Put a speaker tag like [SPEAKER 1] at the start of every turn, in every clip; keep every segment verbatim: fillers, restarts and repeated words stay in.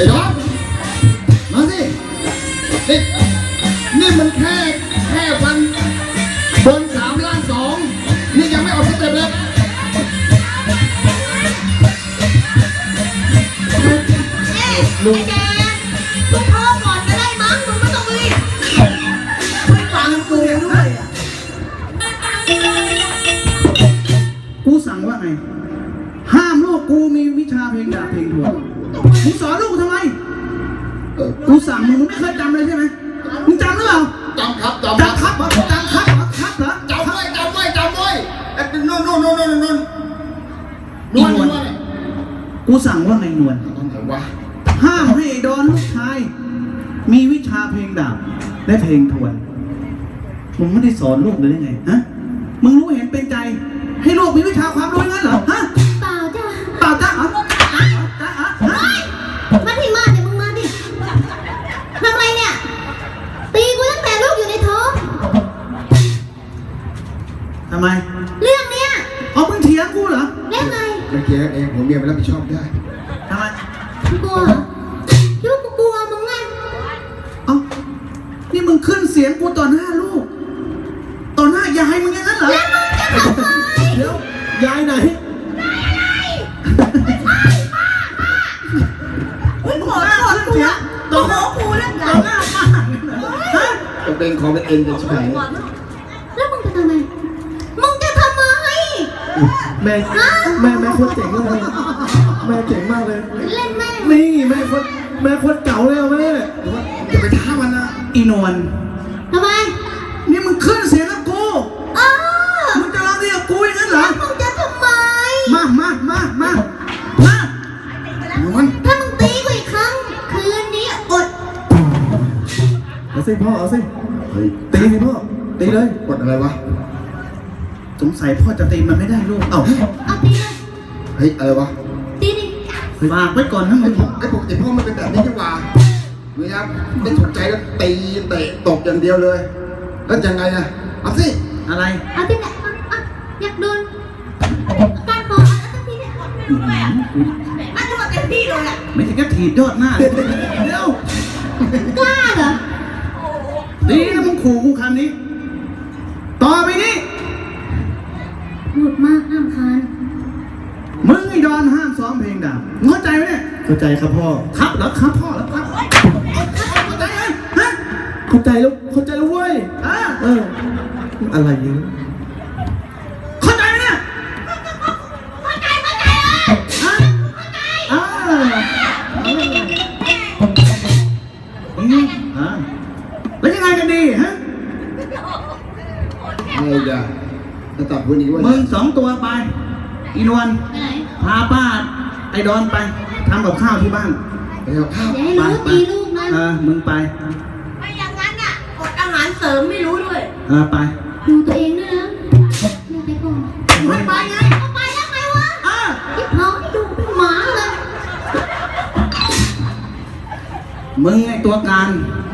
[SPEAKER 1] อ้ดอนมาสินี่นี่มันแค่แค่วันบนสามล้านสองนี่ยังไม่ออกสเต็ปเลย
[SPEAKER 2] ลุงแกลุงพ่อก่อนก็ได้มั้งลุงไม่ต้องรีบไม่ฟังกูด้วยอ่ะ
[SPEAKER 3] กูสั่งว่าไงห้ามลูกกูมีวิชาเพลงดาบเพลงทวนมึงสอนลูกกูทำไมกูสั่งมึงมึงไม่เคยจำเลยใช่ไหมมึงจำหรือเปล่า
[SPEAKER 1] จำครับจำครับ
[SPEAKER 3] จำครับเหรอจำครับเหรอครับเหรอ
[SPEAKER 1] จำไว้จำไว้จำไว้ไอ้นู่นนู่นนู่นนู่นนู่นนวลนวล
[SPEAKER 3] กูสั่งว่าไงนวล
[SPEAKER 1] ทำไงวะ
[SPEAKER 3] ห้ามให้ดอนลูกชายมีวิชาเพลงดาบและเพลงทวนมึงไม่ได้สอนลูกเลยได้ไงฮะมึงรู้เห็นเป็นใจให้ลูกมีวิชาความรู้งั้นเหรอฮะ
[SPEAKER 2] เปล่าจ้ะ
[SPEAKER 3] เปล่าจ้าเหรอจ้าฮะ
[SPEAKER 2] มาที่มาเดี๋ยวมึงมาดิทำไรเนี่ยตีกูตั้งแต่ลูกอยู่ในท้อง
[SPEAKER 3] ทำไม
[SPEAKER 2] เรื่องเนี้ย
[SPEAKER 3] เอามึงเถียงกูเหรอ
[SPEAKER 2] เรื่องไง
[SPEAKER 1] เมื่อกี้เองผมเมียไปรับผิดชอบได้
[SPEAKER 3] ทำไม
[SPEAKER 2] กลัวคิดว่ากูกลัวมึงไง
[SPEAKER 3] เอ้านี่มึงขึ้นเสียงกูต่อหน้าลูกต่อหน้ายายมึงอย่างนั้นเหรอ
[SPEAKER 2] แล้วมึงจะทำไม
[SPEAKER 3] เดี๋ยวยายไหน
[SPEAKER 2] มึงขอโทษกูอะต่อหน้ากูเรื่องใหญ่
[SPEAKER 3] ต่อหน้าป้าฮะ
[SPEAKER 1] จะเป็นคอมเป็นเอ็นจะใช่ไหม
[SPEAKER 2] แล้วมึงจะทำไมมึงจะทำไม
[SPEAKER 3] แม่แม่แม่โคตรเจ๋งเลยแม่เจ๋งมากเลย
[SPEAKER 2] เล่นแม่
[SPEAKER 3] นี่แม่โคตรแม่โคตรเก่าเลยแม่
[SPEAKER 1] อย่าไปท้ามันนะ
[SPEAKER 3] อีนวล
[SPEAKER 2] ทำไม
[SPEAKER 3] นี่มึงขึ้นเสียงกับกู
[SPEAKER 2] อ้า
[SPEAKER 3] มึงจะร้องเรียกกูอย่างนั้นเหรอ
[SPEAKER 2] มึงจะทำไม
[SPEAKER 3] มามามามามา
[SPEAKER 1] นวล
[SPEAKER 2] ถ้ามึงตีกูอีกครั้งคืนนี้อด
[SPEAKER 3] เอาสิพ่อเอาสิ
[SPEAKER 1] เฮ้ย
[SPEAKER 3] ตีสิพ่อตีเลย
[SPEAKER 1] กดอะไรวะ
[SPEAKER 3] สงสัยพ่อจะตีมันไม่ได้ลูกเอ้า
[SPEAKER 2] เอาตีเลย
[SPEAKER 1] เฮ้ยอะไรวะ
[SPEAKER 2] ตีดิ
[SPEAKER 3] ฝากไว้ก่อนนะมึง
[SPEAKER 1] ไอ้ปกติพ่อมันเป็นแบบนี้จังหวะเวลาได้สนใจแล้วตีเตะตบอย่างเดียวเลยแล้วยังไงอะเอาสิ
[SPEAKER 3] อะไร
[SPEAKER 2] เอาตีเนี่ยอยากโดนการขอเอาสักทีเนี่ยมันจะมาเต็มที่เลยอ่ะ
[SPEAKER 3] ไม่ใช่แค่ถีบยอดหน้าเดี๋ยว
[SPEAKER 2] กล้าเหรอ
[SPEAKER 3] ดีนะมึงขู่กูคำนี้ต่อไปนี้
[SPEAKER 2] พูดมากห้ามคาน
[SPEAKER 3] มึงไอ้ดอนห้ามซ้อมเพลงดาบเข้าใจไหมเนี่ย
[SPEAKER 4] เข้าใจครับพ่อ
[SPEAKER 3] ครับเหรอครับพ่อแล้วครับเข้าใจไหมฮะ
[SPEAKER 4] เข้าใจแล้วเข้าใจแล้วเว้ย
[SPEAKER 3] อ่า
[SPEAKER 4] เอออะไรเนี่ย
[SPEAKER 3] เข้าใจไหมเนี่ย
[SPEAKER 2] เข้าใจเข้าใจเลย
[SPEAKER 3] ฮะอ่าอืมอ่าแล้วยังไงกันดีฮะ
[SPEAKER 1] อะไรจ้ะจะตัดพูดอีกว่า
[SPEAKER 3] มึงสองตัวไปอีนวลพาป้าไอ้ดอนไปทำกับข้าวที่บ้าน
[SPEAKER 1] ไปเอาข้าว
[SPEAKER 2] อย่าให้รู้ตีลูกนะ
[SPEAKER 3] เออมึงไป
[SPEAKER 2] ไม่อย่างนั้นอ่ะอดอาหารเสริมไม่รู้ด้วย
[SPEAKER 3] เออไป
[SPEAKER 2] ดูตัวเองด้วยนะอย่าไปก่อนไม่ไปไงก็ไปแล้วไงวะ
[SPEAKER 3] อ่ะ
[SPEAKER 2] ที่เขาให้ดูเป็นหมาเลย
[SPEAKER 3] มึงไอ้ตัวการ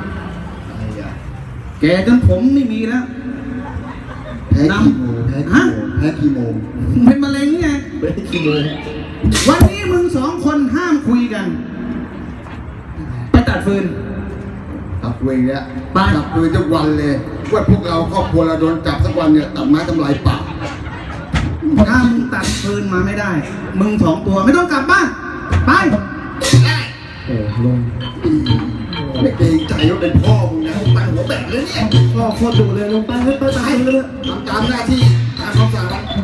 [SPEAKER 3] แกจนผมไม่มีแล้ว
[SPEAKER 1] แพ้คีโมแพ้คีโมแพ้คีโม
[SPEAKER 3] เป็นมะเร็งไง
[SPEAKER 1] แพ้คีโม
[SPEAKER 3] วันนี้มึงสองคนห้ามคุยกันไปตัดฟืน
[SPEAKER 1] ตัดฟืนเนี่ยตัดฟืนทุกวันเลยว่าพวกเราครอบครัวเราโดนจับสักวันเนี่ยตัดไม้ทำลายป่า
[SPEAKER 3] ถ้ามึงตัดฟืนมาไม่ได้มึงสองตัวไม่ต้องกลับบ้านไป
[SPEAKER 4] โอ้ลง
[SPEAKER 1] ไม่เกรงใจว่าเป็นพ่อมึงนะตั้งหัวแบกเลยเนี่ย
[SPEAKER 4] พ่อโคตรดุเลยลงไปให้ไปตายเลย
[SPEAKER 1] ทำตามหน้าที่ตามคำสั่ง